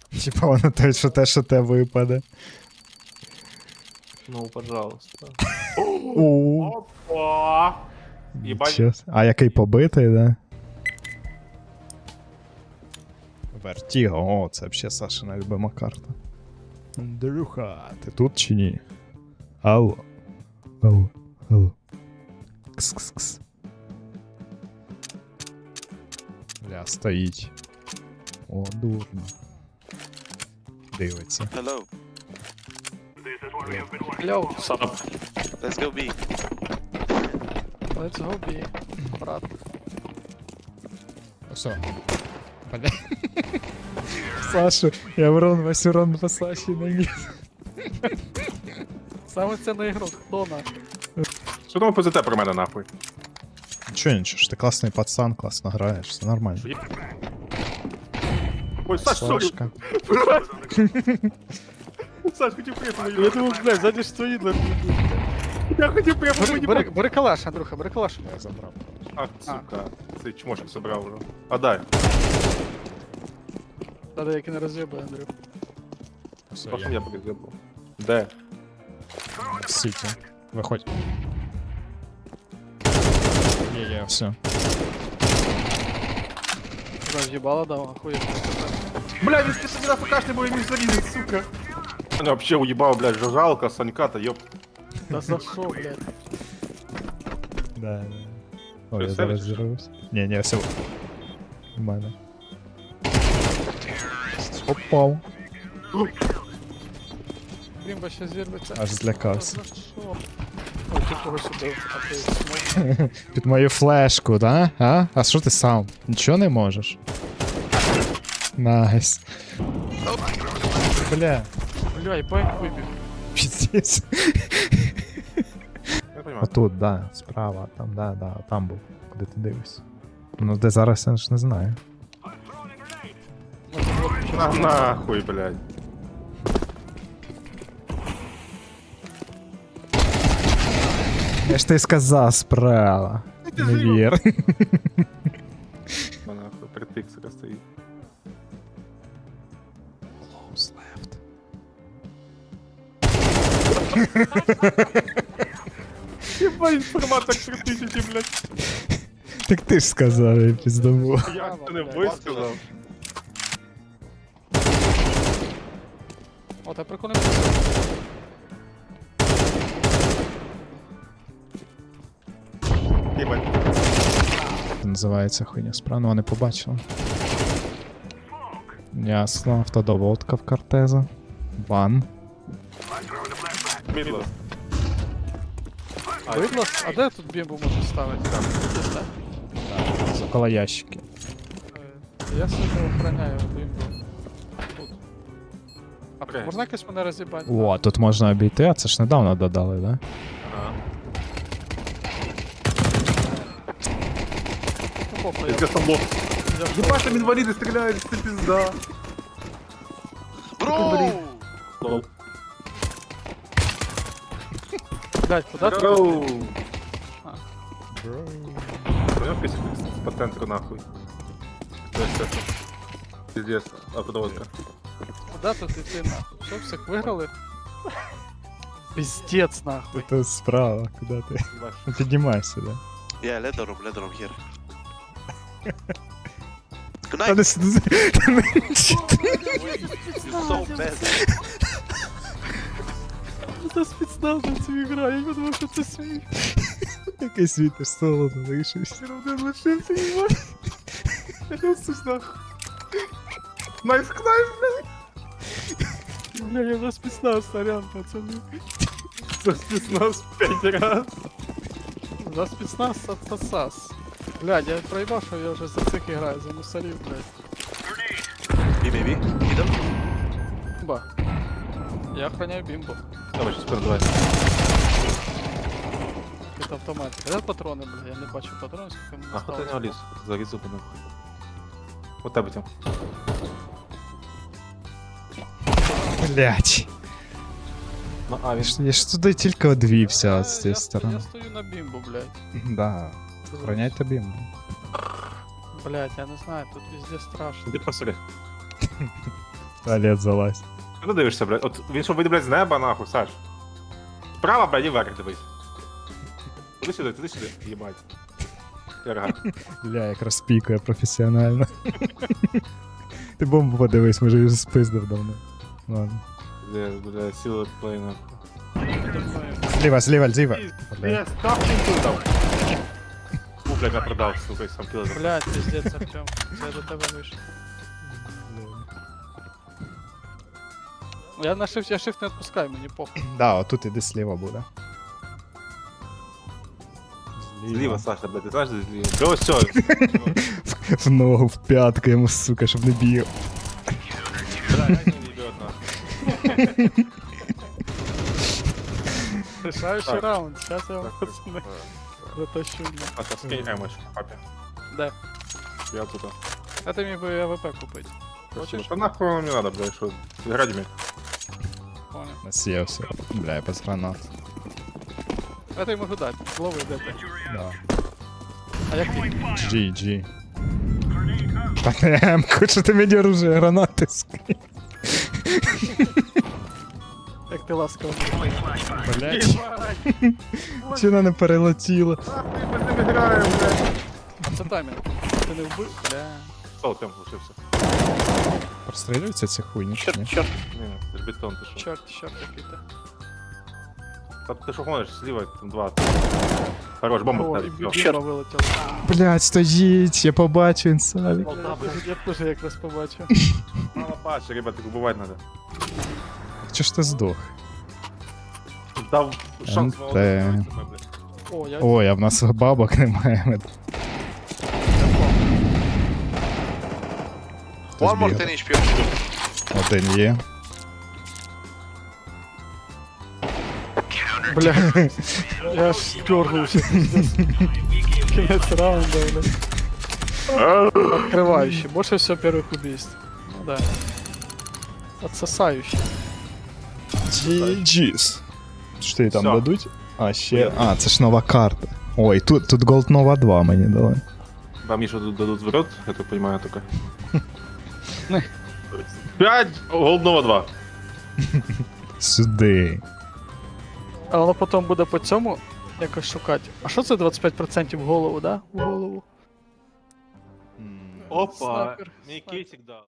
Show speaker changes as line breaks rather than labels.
Типа воно те, що те випаде.
Ну, пожалуйста.
О,
Опа! Ебать.
а який побитий, да? Вертіго, о, це взагалі Сашина любима карта. Андрюха, ти тут чи ні? Алло. Алло. Алло. Кс-кс-кс. Бля, стоїть. О, дурно. Дивиться.
Hello.
Йоу,
Сап.
Let's go B.
let's go B, брат.
Все. Бля. Сашу, я урон, весь урон по Саші наніс.
Саме це на ігрок, хто на?
Що там позите про мене нахуй?
Нічого, ж ти класний пацан, класно граєш, все нормально.
Ой, Саш, сорі.
Сашка.
Саш, хотів прямо
Я думав, блядь, ззаді ж твої двері.
Я хотів прямо
Бери калаш, Андрюха, бери калаш.
Я забрав.
Ах, сука. Цей чмошок собрав вже. А дай.
Та деякі не роз'єбає, Андрюх.
Все,
Пошли я перезабув. Де?
Сіті. Виходь. Є, все.
Роз'єбала, дав, охуєть.
Бля, він ти собі на ФКшний, бо він міг залізти, сука. Мене вообще уїбав, блядь, жужалка, Санька та йоп.
Та за що, блядь?
Да. О, я
Що,
зараз
севич?
зірвусь. Ні, все. У мене. Попав.
Крімба ще зірветься.
Аж злякався.
Та за що? Ой, ти когось убив, а ти смог.
Під мою флешку, да? А що ти сам? Нічого не можеш? Найс. Бля,
Бля, і байк вибіг.
піздець.
Я понимаю.
Отут, да, справа, там, да, там був. Куди ти дивишся? Ну, де зараз, я ж не знаю.
На, нахуй, блядь.
Я ж ти сказав, справа. Не вір.
На, нахуй, притиксика стоїть.
Close left.
Єбать, інформатор 3000, блядь.
Так ти ж сказав, я піздаву.
Я це не висказав.
О, та прикольно.
Єбать.
Це називається хуйня справа, ну вони побачили. Ясно, автодоводка в кортеза. Бан.
Мідло.
Виглас? А де тут бімбу можна ставити? Тут став.
Около ящики.
Я собі охороняю бімбу. Тут. А
Окей.
можна якось мене роз'їбати?
О, тут можна обійти, а це ж недавно додали, да?
Ага.
Ну, похуй,
Пиздец, там лох.
я
Ебать, там инвалиды стреляют, это пизда.
Bro!
Лол.
Блядь, куда ты?
Броу. Понял, песня по центру нахуй. То есть это. Пиздец, автодоводка.
Куда тут идти нахуй? Что, всех выиграли? Пиздец нахуй.
Це справа, куди ти? Ну, піднімайся, да?
Yeah, let the room here. Good
Та
night.
не сиди.
You're so bad.
Це спецназовці грає, я думаю, що це сміх.
Який світиш соло залишився.
Один лишився, ебать. Я сусь нахуй. Найс, блядь.
Бля, я за спецназ, сорян, пацаны.
За спецназ 5 раз.
За спецназ отсос. Блядь, я проебал, что я уже за цих играю, за мусорів, блядь.
B, baby. Middle.
Бимба. Я охраняю бимбу.
Давай, сейчас передавай.
Это автомат. Где патроны, бля? Я не бачу патронів, скільки мені
Ах,
осталось.
ти не ліс. Заліз зуби нахуй. Вот тебе тем.
Блять.
На А, він.
Я ж туди тільки одвівся з
Я
цієї сторони.
Я стою на бимбу, блядь.
Да. Охороняй тобі.
Блядь, я не знаю, тут везде страшно.
Іди посмотри.
В туалет залазь.
Куди дивишся, блядь? От він що вийде, блядь, з неба, нахуй, Саш. Справа, блядь, і вверх дивись. Туди сюди, їбать. Тярга.
Бля, як розпікує професіонально. Ти бомбу подивись, може вже спиздив давно. Ладно.
Бля, сила плейна.
Зліва. Бля.
Я став тут дав. Блядь, я продав, сука, і сам кіло.
Блядь, пиздец, Артем. Це я до тебе вийшов. Я на shift, я shift не відпускаю, мені похуй.
Да, отут іди сліва буде.
Зліва, Саша, блядь, ти знаєш, де зліва? До ось цього.
В ногу, в п'ятку йому, сука, щоб не бігав.
Бля, я не їбет, нахуй.
Решаючий
Так.
раунд, зараз я вам
Так,
пацани
так.
затащу.
Саша, скинь емочку, папі.
Де?
Я тут.
А ти міг би АВП купити. Хочеш?
Та нахуй воно не надо, блядь, що грати мені.
Понял.
Насіявся. Бля, я без гранат.
А ти можу дати. Лови, де ти.
Да.
А як ти?
GG. Та не М-ку, що ти мені оружие гранати скинь.
Як ти ласково.
Блять. Чи вона не перелетіла?
Ми з ними граємо, блядь.
А це таймінг. Ти не вбив? Бля.
Сол, тем лишився.
Прострілюються ці хуйні? чи ні?
Чорт,
Ні, це ж бетон, ти що?
чорт, який ти.
Та ти що гониш, зліва, там два. Хорош, бомба
О, і
вдарив.
біма вилетіла.
Блять, стоїть, я побачу інсавік.
Я теж якраз побачив.
Мало паче, ребят, їх убивати треба.
Чого ж ти здох?
Дав шанс
НТ.
молодим.
О, я
Ой, а в нас бабок немає. Хтось
One more
бігає.
10 HP.
Один є.
Бля, я аж дергався. Кінець раунда, бля. Открывающий. Больше всего первых убийств. Ну да. Отсосающий.
GG's. Що їй там
Всё.
дадуть? А, ще. А, це ж нова карта. Ой, тут Gold Nova 2 мені дали.
Вам еще тут дадут в рот, я так понимаю, только. 5, голдного 2.
Сюди.
А воно потім буде по цьому якось шукати. А що це 25% в голову, да? В голову.
Опа,
Снайпер,
мій
снайпер.
кейсик дав.